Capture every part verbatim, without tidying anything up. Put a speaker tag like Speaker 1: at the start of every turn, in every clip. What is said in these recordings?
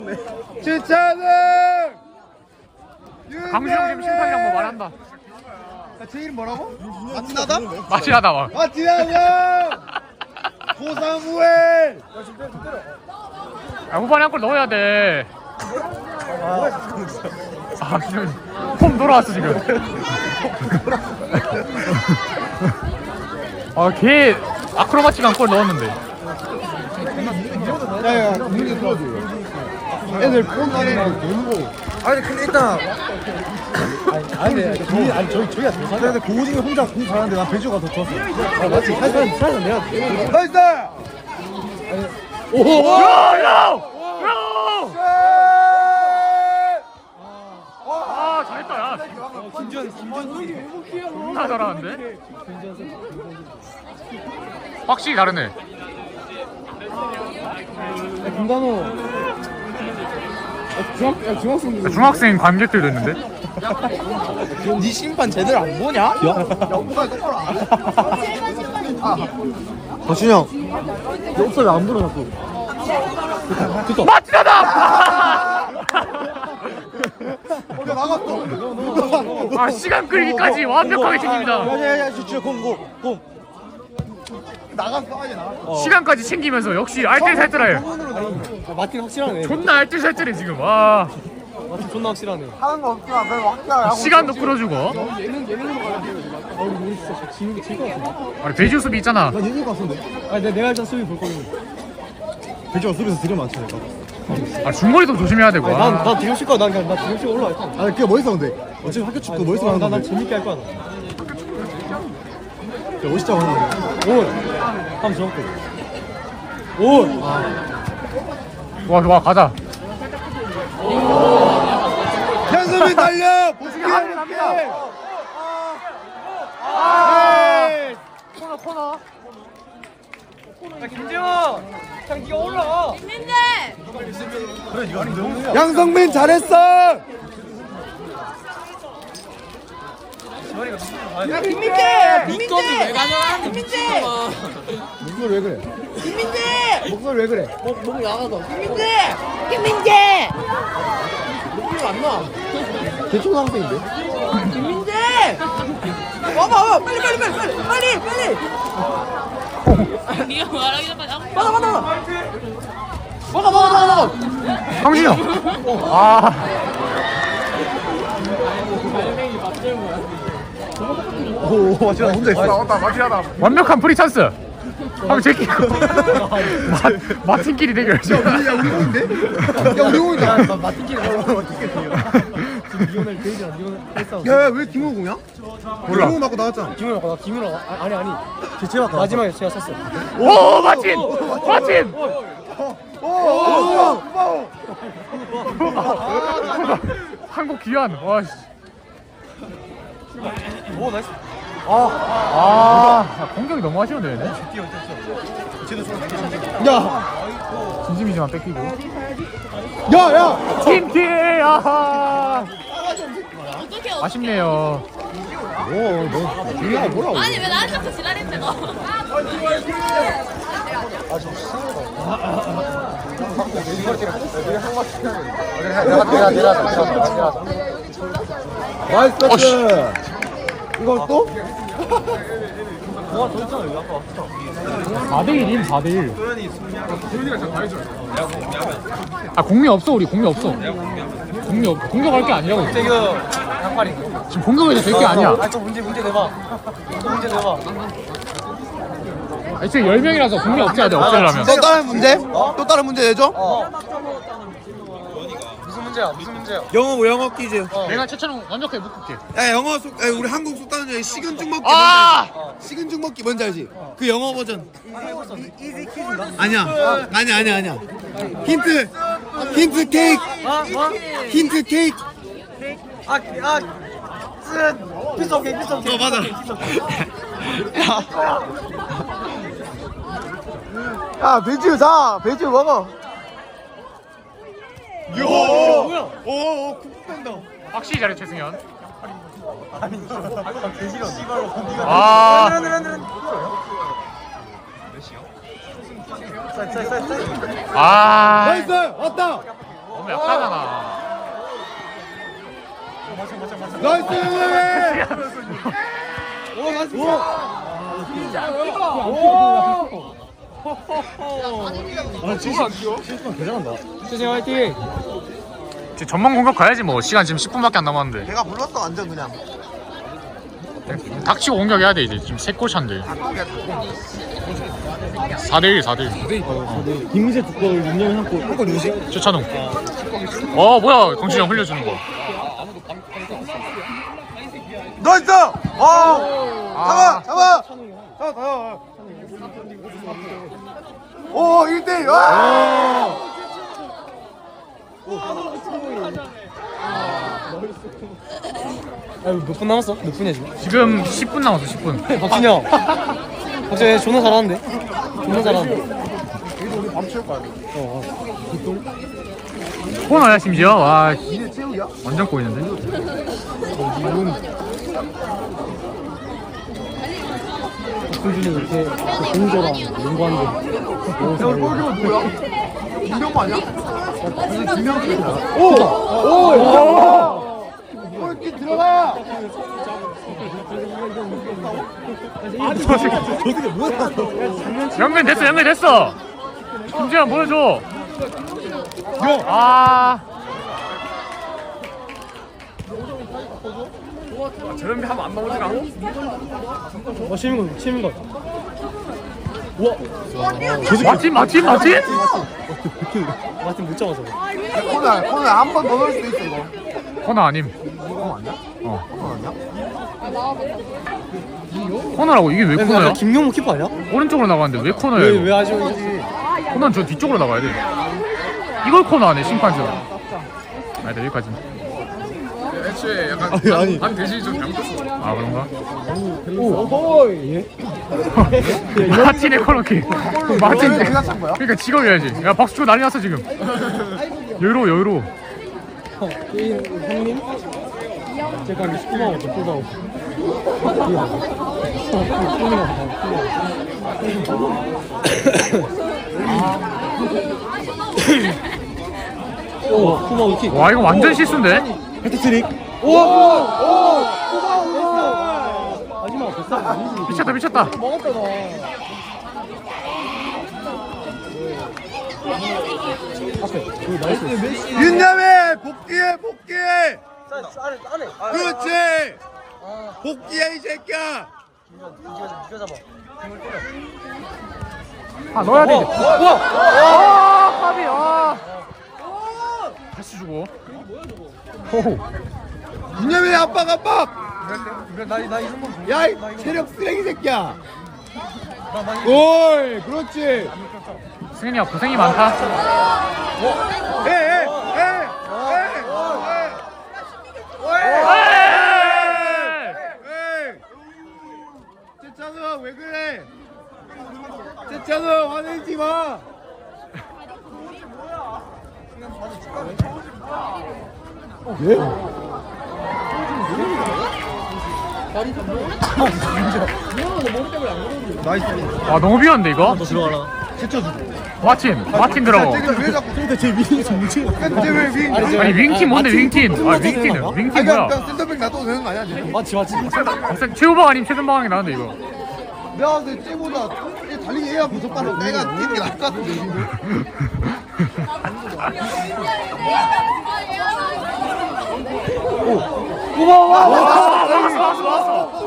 Speaker 1: 주차는
Speaker 2: 강수영 지금 심판이랑 뭐 말한다.
Speaker 1: 제 이름 뭐라고? 마티나다?
Speaker 2: 마치나다 와.
Speaker 1: 마티나다! 고사무엘!
Speaker 2: 야, 후반에 한 골 넣어야 돼. 아, 지금 폼 돌아왔어 지금. 아, 걔 아크로바틱한 골 넣었는데.
Speaker 1: 야야 문제 들어줘. 애들 폰 안에 놀고. 아니 근데 일단 아니 아니 저희 아니 저희 저희가 더 잘해. 근데 고우징이 혼자 공 잘하는데 난 배주가 더 좋았어. 아 맞지. 사실 사실 내가 나이스. 오.
Speaker 2: 야, 야, 야. 아, 잘했다 야.
Speaker 1: 김지현 김지현
Speaker 2: 존나 잘하는데. 확실히 다르네.
Speaker 1: 김단호 중학 중학생
Speaker 2: 중학생 관객들도 있는데.
Speaker 1: 네 심판 제대로 안 보냐? 야, 영국아 똑바로 안 해. 박준영, 너 옵사 왜안 불어 자꾸? 됐어.
Speaker 2: 마치나다.
Speaker 1: 어, 나갔어.
Speaker 2: 아, 시간 끌기까지 완벽하게 챙깁니다.
Speaker 1: 야야야, 진짜 공, 공, 공. 나갔어, 아니 나갔어.
Speaker 2: 시간까지 챙기면서 역시 알뜰살뜰해.
Speaker 1: 마틴 확실하네.
Speaker 2: 존나 알뜰살뜰해 지금. 와.
Speaker 1: 마틴 존나 확실하네. 하는 거 없구나. 별 확실하게.
Speaker 2: 시간도 끌어주고.
Speaker 1: 예능 예능으로 가야 돼. 아 우리 진짜 지는 게 제일 것 같은데.
Speaker 2: 아니 배지우 수비 있잖아.
Speaker 1: 나 예능 같은데. 아 내가 내가 일단 수비 볼 거거든. 배지가 수비에서 되게 많지 내가.
Speaker 2: 아 중거리도 조심해야 되고.
Speaker 1: 난나 뒤로 칠 거야. 난 그냥 나 뒤로 치고 올라갈 거야. 아 그게 멋있어 근데. 어차피 학교 축구 멋있어 하는 건데. 난 재밌게 할 거야. 야 멋있다 하는 거. 올. 한번 줘볼게. 올.
Speaker 2: 와, 와 가자.
Speaker 1: 현수빈 달려. 보스기
Speaker 2: 갑니다.
Speaker 1: 아.
Speaker 2: 코너 코너.
Speaker 1: 야 김재원. 그냥 네가 올라가.
Speaker 3: 민민대
Speaker 1: 양성민 잘했어.
Speaker 3: 야 김민재 김민재
Speaker 4: 왜 가져가?
Speaker 3: 김민재
Speaker 1: 목소리 왜 그래?
Speaker 3: 김민재
Speaker 1: 목소리 왜 그래?
Speaker 4: 목 나가서.
Speaker 3: 김민재 김민재
Speaker 4: 목소리 안 나.
Speaker 1: 대초등학생인데?
Speaker 3: 김민재 와봐 와봐 빨리 빨리 빨리 빨리 빨리 빨리
Speaker 4: 네가 말하기 전까지 아무
Speaker 3: 받아 받아 먹어 먹어 먹어 먹어
Speaker 2: 황진이 형. 아.
Speaker 1: 오 맞지 혼자 있어.
Speaker 2: 나왔다 마치하다. 완벽한 프리 찬스. 한번 제끼고. 마 마틴끼리 대결.
Speaker 1: 야 우리 공인데? 야 우리 공이다. 마틴끼리 마틴끼리 지금 리오넬 데이지랑 리오넬 했어. 야왜 김호 공이야?
Speaker 2: 몰라.
Speaker 1: 김호 맞고 나왔잖아. 김호 맞고 나 김호 아, 아니 아니. 제 제가 마지막에 제가 샀어.
Speaker 2: 오 마틴. 마틴.
Speaker 1: 오.
Speaker 2: 한국 귀환. 와 씨.
Speaker 1: 오 나이스.
Speaker 2: 아, 공격이 너무 아쉬운데 얘네.
Speaker 1: 야.
Speaker 2: 진심이지만 뺏기고.
Speaker 1: 야 야.
Speaker 2: 팀키. 아하.
Speaker 4: 어떻게 어떻게?
Speaker 2: 아쉽네요.
Speaker 1: 오너 뭐야 뭐라고?
Speaker 4: 아니 왜 나한테 자꾸 지랄했대 너?
Speaker 1: 나이스
Speaker 2: 어, 씨.
Speaker 1: 패스. 이거 또? 와더 있잖아 여기 아까 왔어.
Speaker 2: 사 대 일임 사 대 일. 아 공미 없어 우리 공미 없어. 공미 없 공격할 게 아니라고.
Speaker 1: 이거 양팔이.
Speaker 2: 지금 공격해도 될 게 아니야.
Speaker 1: 아또 문제 문제 내봐. 또 문제 내봐.
Speaker 2: 아 지금 열 명이라서 공미 없애야 돼 없애려면.
Speaker 1: 또 다른 문제? 또 다른 문제 내줘? 무슨 문제야? 무슨 문제야?
Speaker 5: 영어 영어 퀴즈.
Speaker 2: 내가 최천웅 완벽하게 묶을게.
Speaker 5: 야 영어 속 야, 우리 한국 속단은 중에 식은죽 먹기
Speaker 2: 아!
Speaker 5: 뭔지 알지? 식은죽 먹기 뭔지 알지? 그 영어 버전. 아니야. 아니야 아니야 아니야. 힌트. 힌트 케이크. 힌트 케이크.
Speaker 1: 아아 쓴. 피스 오케이 피스 오케이.
Speaker 5: 어 맞아.
Speaker 1: 야 배지우 자 배지우 먹어.
Speaker 5: 요. 뭐야? 오 쿡된다.
Speaker 2: 확실히 잘해 최승현. 아. 아.
Speaker 1: 나이스 왔다.
Speaker 2: 너무 약하잖아.
Speaker 5: 나이스!
Speaker 1: 오 나이스. 아 진짜 실수만 개잘한다.
Speaker 3: 세상 화이팅.
Speaker 2: 지금 전망 공격 가야지 뭐. 시간 지금 십 분밖에 안 남았는데.
Speaker 5: 걔가 불렀어 완전 그냥.
Speaker 2: 닥치고 공격해야 돼 이제. 지금 세 골 차인데. 사 대 일 사 대 일.
Speaker 1: 김민재 두 골, 윤영이 한 골. 한골 누구지?
Speaker 2: 최찬웅. 어 뭐야 강준이 형 흘려주는 거.
Speaker 5: 나이스! 와! 잡아! 잡아!
Speaker 1: 자, 자.
Speaker 5: 오 일 대 일! 와!
Speaker 3: 몇 분 남았어? 몇 분이야 지금?
Speaker 2: 지금 십 분 남았어 십 분.
Speaker 3: 박준이 형. 박준이 존나 잘하는데? 존나 잘하는데?
Speaker 2: 코너야 심지어. 와 완전 꼬이는데.
Speaker 3: 박준이 이렇게 공조랑 농구하는데.
Speaker 5: 형 골키퍼 누구야? 김병호 아니야?
Speaker 1: 오! 오!
Speaker 5: 골키 들어가!
Speaker 1: 저 새끼 뭐야?
Speaker 2: 연결 됐어 연결 됐어. 김지현 보여줘. 아. 저런 데 하면 안 나오지가 않아?
Speaker 3: 어 치는 거 치는 거.
Speaker 2: 맞지 맞지 맞지?
Speaker 3: 마틴 못 잡아서.
Speaker 5: 코너 코너 한 번 더 넣을 수도 있어 이거.
Speaker 2: 코너 아님.
Speaker 5: 코너 아니야?
Speaker 2: 어.
Speaker 5: 코너 아니야?
Speaker 2: 코너라고 이게 왜 코너야?
Speaker 3: 김용무 키퍼 아니야?
Speaker 2: 오른쪽으로 나가는데 왜 코너야
Speaker 3: 왜
Speaker 2: 이거?
Speaker 3: 왜 아쉬운지.
Speaker 2: 코너는 저 뒤쪽으로 나가야 돼. 이걸 코너 안해 심판서. 아니다 여기까지. 애초에 약간
Speaker 1: 아니, 아니.
Speaker 2: 반 대신이 좀 잘못했어. 아 그런가?
Speaker 1: 오, 예.
Speaker 2: 마틴의 코너킥. 마틴.
Speaker 5: 왜 내가 찬 거야?
Speaker 2: 그러니까 직업이야지. 야 박수 치고 난리 났어 지금. 여유로워 여유로워.
Speaker 3: 게임 형님? 제가 한 십구 만 원 더 뽑아오고. 오, 쿠마 우킥.
Speaker 2: 와 이거 완전 실수인데?
Speaker 1: 헤트트릭.
Speaker 3: 오! 오! 오! 마지막 됐어. 아니지.
Speaker 2: 미쳤다 미쳤다.
Speaker 3: 먹었다 너. 앞에. 그 나이스.
Speaker 5: 윤남해 복귀해 복귀해. 그렇지. 복귀해 이 새끼야.
Speaker 2: 아 넣어야 돼. 이제. 아 까비 아. 다시 주고. 호호.
Speaker 5: 윤남해 압박 압박. 야, 이 체력 쓰레기 새끼야. 골, 그렇지.
Speaker 2: 승현이야 고생이 많다.
Speaker 5: 에, 에, 에, 에, 에. 재찬우 왜 그래? 재찬우 화내지 마. 나이스.
Speaker 2: 와 너무 비었는데 이거?
Speaker 1: 들어가라.
Speaker 2: 마틴 마틴 들어가.
Speaker 5: 왜 자꾸
Speaker 1: 근데 제 미리 좀 뭉치.
Speaker 5: 근데 왜 윙? 아니,
Speaker 2: 아니 윙팀 뭔데 윙팀? 아 윙팀은 윙팀
Speaker 5: 그냥
Speaker 2: 뭐야?
Speaker 5: 센터백 놔둬도 되는 거 아니야? 지금?
Speaker 3: 맞지 맞지.
Speaker 2: 박사 최우방 아니면 최선방이 나는데 이거.
Speaker 5: 내가 근데 쟤보다 달리기 해야 무섭다는 내가 뛰는 게 나을 것 같은데 지금.
Speaker 2: 우와 왔어 왔어 왔어.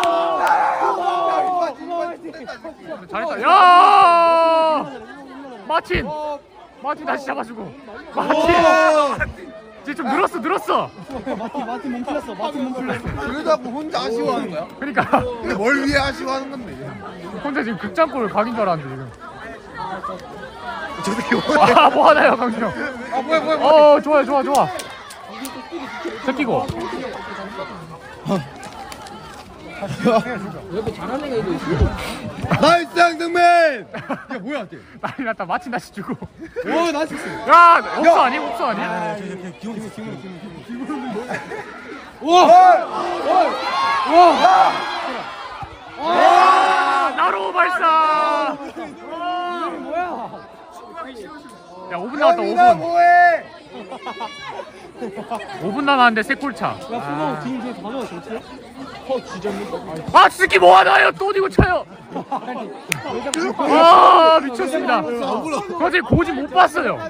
Speaker 2: 잘했다. 야 마틴 마틴 다시 잡아주고. 마틴. 이제 좀 늘었어 늘었어.
Speaker 3: 마틴 마틴 몸 풀렸어. 마틴 몸 풀렸어.
Speaker 5: 왜 자꾸 혼자 아쉬워하는 거야?
Speaker 2: 그러니까
Speaker 5: 근데 뭘 위해 아쉬워하는 건데?
Speaker 2: 혼자 지금 극장골 각인 줄 알았는데 지금.
Speaker 5: 저 새끼 뭐야?
Speaker 2: 아 뭐하나요 강준 형?
Speaker 5: 아 뭐야 뭐야 뭐야?
Speaker 2: 어 좋아요 좋아 좋아. 새끼고.
Speaker 5: 나이스 양승민! 야 뭐야 걔?
Speaker 2: 난리 났다. 마틴 다시 주고.
Speaker 3: 오 나이스.
Speaker 2: 야 옥수 아니 옥수 아니?
Speaker 1: 기분 기분 기분.
Speaker 2: 와 나로 발사.
Speaker 3: 뭐야?
Speaker 2: 야 오 분 남았다 오
Speaker 5: 형이나
Speaker 2: 분.
Speaker 5: 뭐해?
Speaker 2: 오 분 남았는데 세 골차.
Speaker 1: 야 그거 뒤에 뒤에 다 넣었어 어떻게? 어 지졌네.
Speaker 2: 아 스키 뭐 하나요? 또 이거 차요. 아 미쳤습니다. 거제 고지 못 봤어요.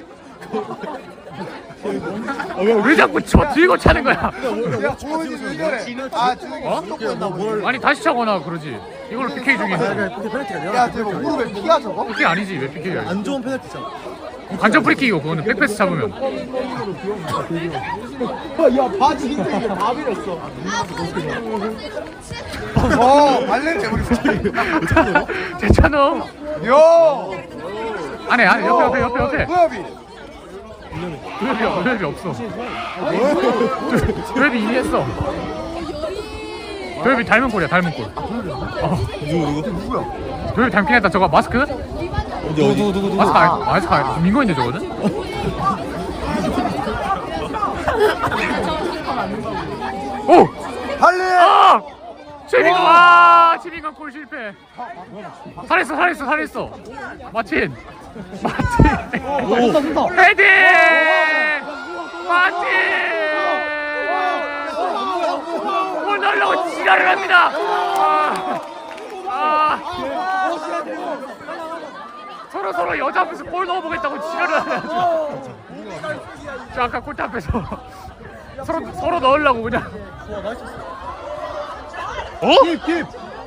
Speaker 2: 왜 자꾸 저 들고 차는 거야?
Speaker 5: 야 조은이 왜 저래? 아 조은이
Speaker 2: 어?
Speaker 5: 수도권했나 보네.
Speaker 2: 아니 다시 차거나 그러지. 이걸 피케이 중인데.
Speaker 5: 야 저거 무릎에 피가 저거?
Speaker 2: 피케이 아니지 왜 피케이야?
Speaker 1: 안 좋은 페널티잖아.
Speaker 2: 관전 프리킥이고 그거는 백패스 잡으면.
Speaker 1: 야 바지 흰색이 다 밀었어.
Speaker 5: 어 발레를 우리
Speaker 2: 제찬호.
Speaker 5: 요.
Speaker 2: 안에 안에 옆에 옆에 옆에 옆에.
Speaker 5: 구엽이.
Speaker 2: 도엽이 도엽이 없어. 도엽이 이미 했어. 도엽이 닮은 꼴이야 닮은 꼴. 어.
Speaker 5: 누구 누구야?
Speaker 2: 도엽이 닮긴 했다. 저거 마스크?
Speaker 5: 어디 어디 누구 누구
Speaker 2: 마스크 아 마스크 아 민건인데 저거는? 오!
Speaker 5: 발레.
Speaker 2: 아! 최민건 아! 최민건 골 실패. 살했어 살했어 살했어. 마틴. 마틴. 헤딩! 마틴! 골 넣으려고 지랄을 합니다. 아! 아! 서로 서로 여자 앞에서 골 넣어보겠다고 지랄을 하네요. 저 아까 골대 앞에서 서로 서로 넣으려고 그냥. 어?
Speaker 1: 킵.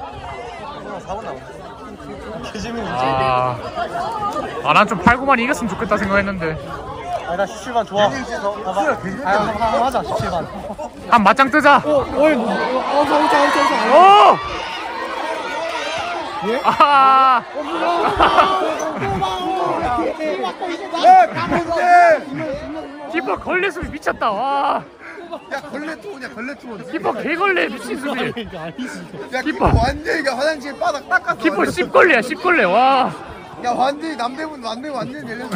Speaker 2: 아, 아, 난 좀 팔, 구만 이겼으면 좋겠다 생각했는데.
Speaker 1: 아나 십칠 반 좋아. 아 맞아 십칠 반.
Speaker 2: 한 맞짱 뜨자.
Speaker 1: 어 어이 어서 오자 오자 오자.
Speaker 2: 오!
Speaker 1: 예?
Speaker 2: 아!
Speaker 5: 야 강민재.
Speaker 2: 키퍼 걸레 수비 미쳤다. 와.
Speaker 5: 야 걸레 투냐 걸레 투.
Speaker 2: 키퍼 개걸레 미친 수비.
Speaker 5: 야
Speaker 2: 키퍼.
Speaker 5: 키퍼 완전히 그냥 화장실 바닥 닦았어.
Speaker 2: 키퍼 십 걸레야 십 걸레. 와.
Speaker 5: 야 완전히 남대문 남대문 완전히 열렸어.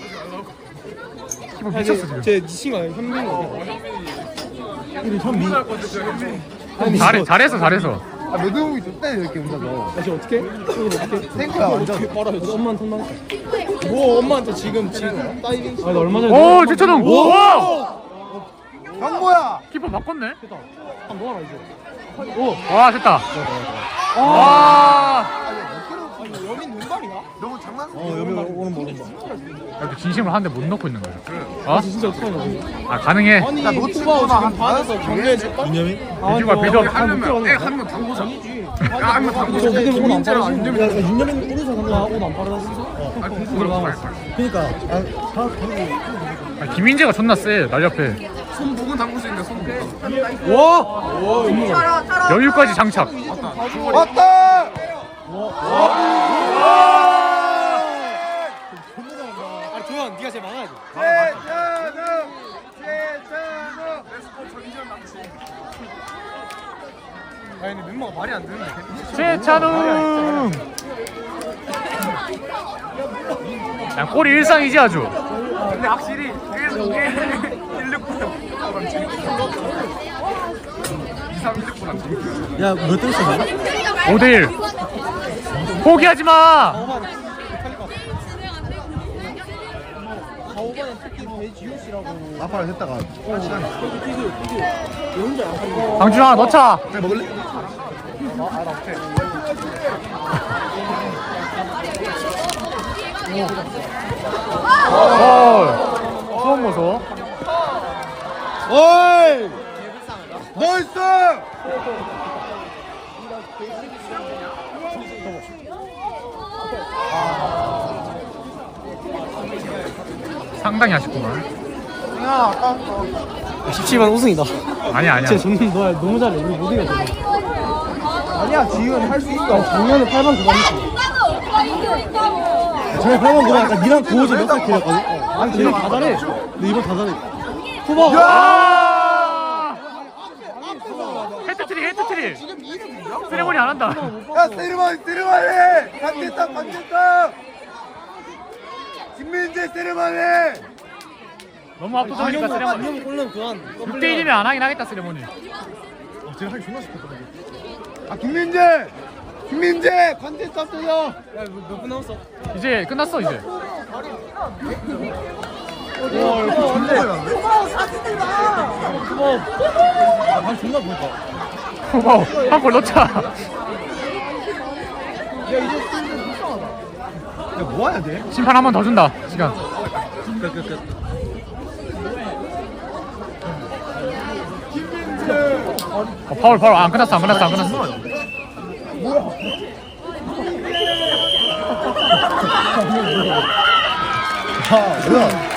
Speaker 2: 키퍼 미쳤어 지금.
Speaker 1: 제 친구 아니야 현민이. 우리 현민.
Speaker 2: 잘해 잘했어 잘했어.
Speaker 5: 아 매듭이 좋다 이렇게 혼자서.
Speaker 1: 다시 어떻게? 이거 어떻게?
Speaker 5: 탱크야 완전.
Speaker 1: 빨아요. 엄마한테 혼나. 뭐 엄마한테 지금 지금 다이빙. 아나 얼마 전에.
Speaker 2: 오 제천웅. 와.
Speaker 5: 경모야.
Speaker 2: 키퍼 바꿨네.
Speaker 1: 한 뭐하라 이제.
Speaker 2: 와 됐다. 와.
Speaker 1: 여긴 눈발이야?
Speaker 5: 너무 장난.
Speaker 1: 어 여기 오는 거 오는 거.
Speaker 2: 이렇게 진심으로 하는데 못 넣고 있는 거야. 어?
Speaker 1: 진짜 어떡하냐.
Speaker 2: 아 가능해.
Speaker 1: 아니
Speaker 5: 야, 너
Speaker 1: 후바오
Speaker 5: 친구나
Speaker 1: 지금
Speaker 5: 한
Speaker 1: 반에서 경례해줄까? 민념이?
Speaker 2: 민주가 빌드업
Speaker 1: 하면
Speaker 5: 한명 당구서.
Speaker 1: 아니지. 야 한명 당구서. 근데 옷안 빨아서. 윤념이는 오른손 한번 옷안 빨아서. 그니까.
Speaker 2: 아, 김민재가 존나 세. 날 옆에.
Speaker 1: 와!
Speaker 2: 여유까지 장착.
Speaker 5: 왔다.
Speaker 1: 아 조현 네가 제일 막아야 돼.
Speaker 5: 최찬우. 최찬우.
Speaker 1: 아니 근데 멤버가 말이 안 되는데.
Speaker 2: 최찬웅. 야, 골이 일상이지 아주.
Speaker 5: 근데 확실히
Speaker 1: 야몇 등 있어?
Speaker 2: 오 대 일. 포기하지 마.
Speaker 5: 나팔을 했다가
Speaker 2: 강준아 넣자.
Speaker 5: 그래 먹을래?
Speaker 2: 어. 처음 보소.
Speaker 5: 어이! 나이스!
Speaker 2: 상당히 아쉽구만.
Speaker 1: 십칠 반 우승이다.
Speaker 2: 아니야 아니야.
Speaker 1: 진짜 존나 너 너무 잘해. 우리 못 이겨.
Speaker 5: 아니야 지금 할 수 있어.
Speaker 1: 작년에 팔 반 구 반 했어. 전에 팔 반 구 반 약간 니랑 고우지 몇살 길었거든. 아니 쟤는 다 잘해. 근데 이번 다 잘해. 후바.
Speaker 2: 야! 헤트트릭 헤트트릭. 세레모니 안 한다.
Speaker 5: 야 세르머니 세르머니! 반대탑 반대탑! 김민재 세르머니!
Speaker 2: 너무 압도적이니까 세레모니.
Speaker 1: 안녕 골른 그만.
Speaker 2: 육 대 일이면 안 하긴 하겠다 세레모니.
Speaker 1: 제가 하기 존나 싶었다.
Speaker 5: 아 김민재! 김민재! 반대탑 때려!
Speaker 1: 야몇 분 남았어?
Speaker 2: 이제 끝났어 이제.
Speaker 3: 고마워 사진들 봐.
Speaker 1: 방 존나 보니까.
Speaker 2: 고마워. 한골 넣자.
Speaker 1: 야, 뭐 해야 돼?
Speaker 2: 심판 한 번 더 준다. 시간.
Speaker 1: 끝, 끝, 끝.
Speaker 2: 어, 파울 파울 안 끝났어 안 끝났어 안 끝났어.
Speaker 1: 아, 뭐야?